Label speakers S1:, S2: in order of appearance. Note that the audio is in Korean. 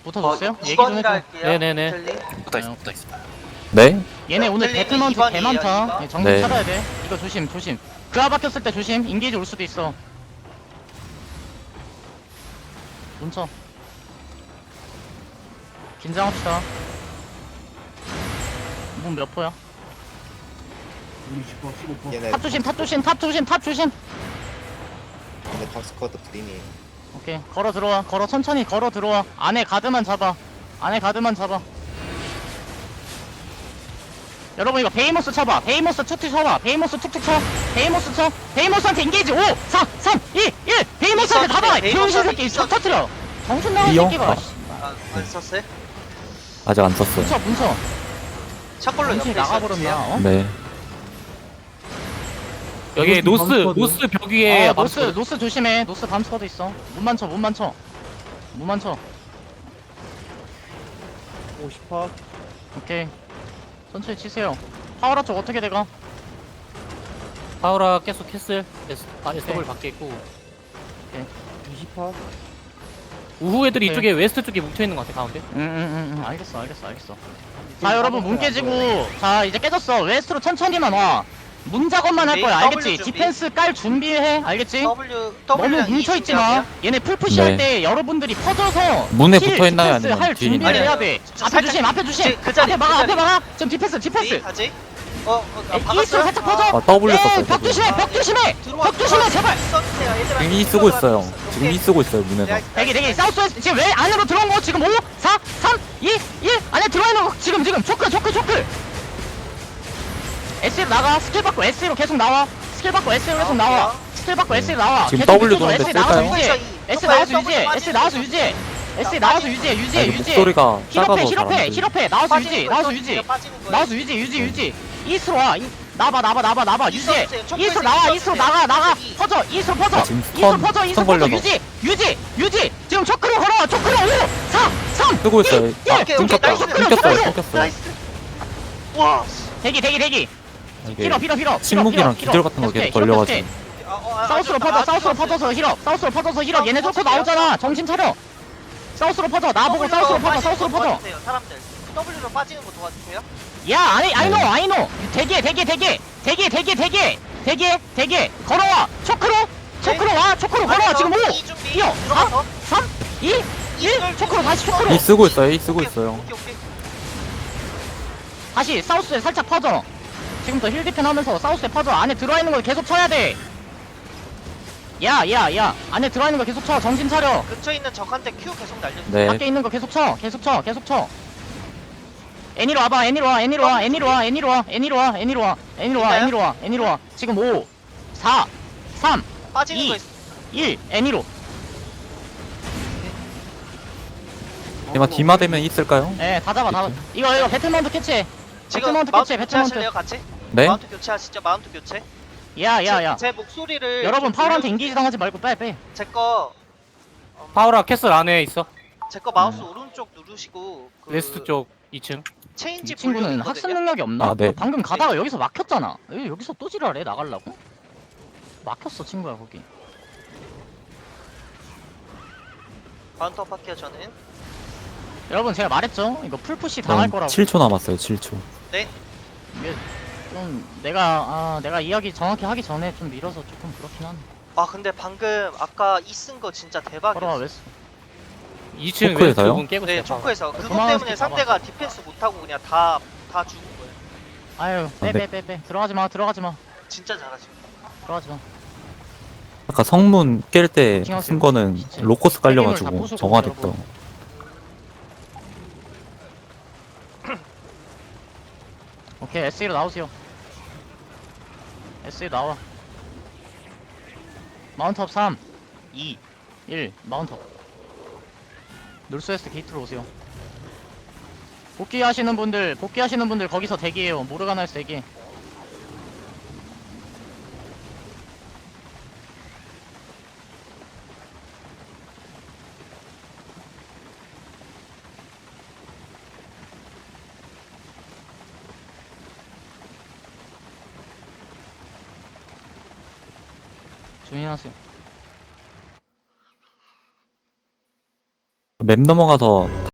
S1: 붙어줬어요? 얘기 좀
S2: 2번이라
S1: 해줘.
S2: 할게요.
S3: 네네네.
S2: 텔리.
S3: 붙어있어 붙어있어.
S4: 네?
S1: 얘네 오늘
S2: 틀리면
S1: 배트먼트 개
S2: 2번이에요,
S1: 많다.
S2: 2번.
S1: 예, 정신
S4: 네.
S1: 차려야 돼. 이거 조심 조심. 그아 박혔을 때 조심. 인게이지 올 수도 있어. 뭉쳐. 긴장합시다. 문 몇 포야?
S5: 얘네
S1: 탑 조심, 탑 조심, 탑 조심, 탑 조심.
S5: 얘네 탑스쿼드 그린이
S1: 오케이. 걸어 들어와. 걸어 천천히 걸어 들어와. 안에 가드만 잡아. 안에 가드만 잡아. 여러분 이거 베이모스 쳐봐. 베이모스 툭툭 쳐봐. 베이모스 툭툭 쳐. 베이모스 쳐. 베이모스한테 인게이지 5, 4, 3, 2, 1. 베이모스한테 다 박아. 병신 새끼 쳐 터트려. 정신 나간
S4: 이요?
S1: 새끼가.
S4: 아.
S2: 안 썼어요?
S4: 아직 안 썼어요.
S1: 뭉쳐 뭉쳐.
S2: 첫 걸로 옆에
S1: 정신이 나가버렸나?
S2: 있어주세요.
S1: 어?
S4: 네.
S3: 여기 노스 벽 위에
S1: 노스 조심해. 노스 밤스쿼드 있어. 문만 쳐, 문만 쳐. 문만 쳐.
S5: 50파
S1: 오케이. 천천히 치세요. 파워라 쪽 어떻게 돼가?
S3: 파우라 계속 캐슬 SW 밖에 있고
S5: 20파
S3: 우후 애들이
S1: 네.
S3: 이쪽에 웨스트 쪽에 뭉쳐있는 것 같아 가운데.
S1: 알겠어. 자 여러분 문 깨지고 자 이제 깨졌어. 웨스트로 천천히만 와. 문 작업만 할 거야.
S2: W
S1: 알겠지?
S2: 준비.
S1: 디펜스 깔 준비해. 알겠지?
S2: W
S1: 너무
S2: 랑 E
S1: 뭉쳐있지 마.
S2: 준비하세요.
S1: 얘네 풀푸시
S4: 네.
S1: 할 때 여러분들이 퍼져서
S4: 문에
S1: 힐,
S4: 붙어있나요?
S1: 디펜스
S4: 아니면
S1: 할
S4: 뒤에
S1: 준비를
S4: 있나요?
S1: 해야 돼.
S2: 저
S1: 앞에
S2: 살짝-
S1: 조심, 앞에 조심.
S2: 그 자리,
S1: 앞에 막아,
S2: 그
S1: 앞에
S2: 자리.
S1: 막아. 지금 디펜스.
S2: D 가지?
S1: 이스로 살짝 퍼져.
S4: 아, W 썼어요,
S1: 벽
S4: W.
S1: 조심해, 벽 조심해. 벽 조심해, 제발.
S4: 지금 이 쓰고 있어요. 지금 이 쓰고 있어요, 문에서.
S1: 대기 사우스웨스트 지금 왜 안으로 들어온 거 지금 5 4 3 2 1 안에 들어와 있는 거 지금 초크 S로 나가. 스킬 받고 S로 계속 나와. 스킬 받고 S로 계속 나와. 스킬 받고 S로 나와.
S4: 지금
S1: 계속
S4: W
S1: 밑으로
S4: 도는데
S1: S 나와서
S4: 쓸까요?
S1: 유지해. S 나와서 유지해. S 나와서 유지해. S 나와서 유지해.
S4: 아, 이거 목소리가 작아서 잘 안 들려.
S1: 힐업해 나와서 유지 나와서 유지 이스로 와. 나봐 유지해. 이스로 나와. 이스로 나가 퍼져. 이스로 퍼져.
S4: 아, 지금
S1: 이스로
S4: 스턴
S1: 퍼져. 이스로 퍼져.
S4: 걸려서.
S1: 유지 지금 초크로 걸어와. 초크로 5 4 3
S4: 쓰고 있어요. 아,
S1: 오케이,
S4: 끊겼다.
S2: 나이스.
S4: 끊겼어요.
S2: 와.
S1: 대기
S4: 이게
S1: 힐업
S4: 침묵이랑 기절 같은 거 계속 걸려가지고.
S1: 사우스로 퍼져 힐업 사우스로 퍼져서 힐업 얘네 뚫고 나오잖아. 정신 차려. 사우스로 퍼져. 나보고 사우스로 퍼져.
S2: 사람들 W로 빠지는 거 도와주세요.
S1: 야 아이노 대기해 걸어와. 초크로 와. 초크로 걸어와. 지금 5 뛰어 4 3 2 1 초크로 다시 초크로
S4: 이 쓰고 있어요. 이 쓰고 있어요.
S2: 오케이.
S1: 다시 사우스에 살짝 퍼져. 지금부터 힐 디펜 하면서 사우스에 퍼져. 안에 들어와 있는 거 계속 쳐야 돼. 야 안에 들어와 있는 거 계속 쳐. 정신 차려.
S2: 근처에 있는 적한테 Q 계속 날려주세요.
S4: 네.
S1: 밖에 있는 거 계속 쳐. 애니로 와봐. 애니로 와. 지금 5 4 3
S2: 빠지는
S1: 이.
S2: 거 있어.
S1: 1 애니로.
S4: 디마 디마 되면 있을까요?
S1: 예, 다 잡아. 이거 배틀마운트 캐치.
S2: 지금
S1: 배틀마운트
S2: 마운트
S1: 캐치.
S2: 교체하실래요 같이?
S4: 네?
S2: 마운트 교체하시죠. 마운트 교체.
S1: 야.
S2: 제 목소리를
S1: 여러분
S2: 좀
S1: 파울한테
S2: 들려주세요.
S1: 인기지 당하지 말고 빼.
S2: 제거
S3: 파우라 캐슬 안에 있어.
S2: 마우스 오른쪽 누르시고 그
S3: 웨스트 쪽 2층.
S2: 체인지
S1: 이 친구는
S2: 볼륨
S1: 학습
S2: 있거든요?
S1: 능력이 없나?
S4: 아, 네.
S1: 방금 가다가 여기서 막혔잖아. 여기서 또 지랄해 나가려고? 막혔어 친구야 거기.
S2: 마운트업 할게요 저는.
S1: 여러분 제가 말했죠? 이거 풀푸시 당할 거라고.
S4: 7초 남았어요. 7초.
S2: 네.
S1: 이게 좀 내가 이야기 정확히 하기 전에 좀 밀어서 조금 그렇긴 한데.
S2: 아 근데 방금 아까 이 쓴 거 진짜
S1: 걸어와
S2: 대박이었어.
S1: 웨스.
S3: 2층 웨스트
S4: 초크에서요?
S3: 문 깨고
S2: 네
S3: 있어요. 파우라.
S2: 초크에서 그것
S1: 도망갈
S2: 때문에
S1: 때
S2: 상대가 디펜스 못하고 그냥 다 죽은 거예요.
S1: 아유
S4: 네.
S1: 빼. 들어가지 마.
S2: 진짜 잘하시고.
S4: 아까 성문 깰 때
S1: 킹하세요.
S4: 쓴 거는
S1: 진짜.
S4: 로커스
S1: 다
S4: 깔려가지고
S1: 부수고
S4: 정화됐다.
S1: 여러분. 오케이 SE로 나오세요. SE 나와. 마운트업 3 2 1 마운트업. 놀스웨스트 게이트로 오세요. 복귀하시는 분들 거기서 대기해요. 모르가나에서 대기. 조용히 하세요.
S4: 맵 넘어가서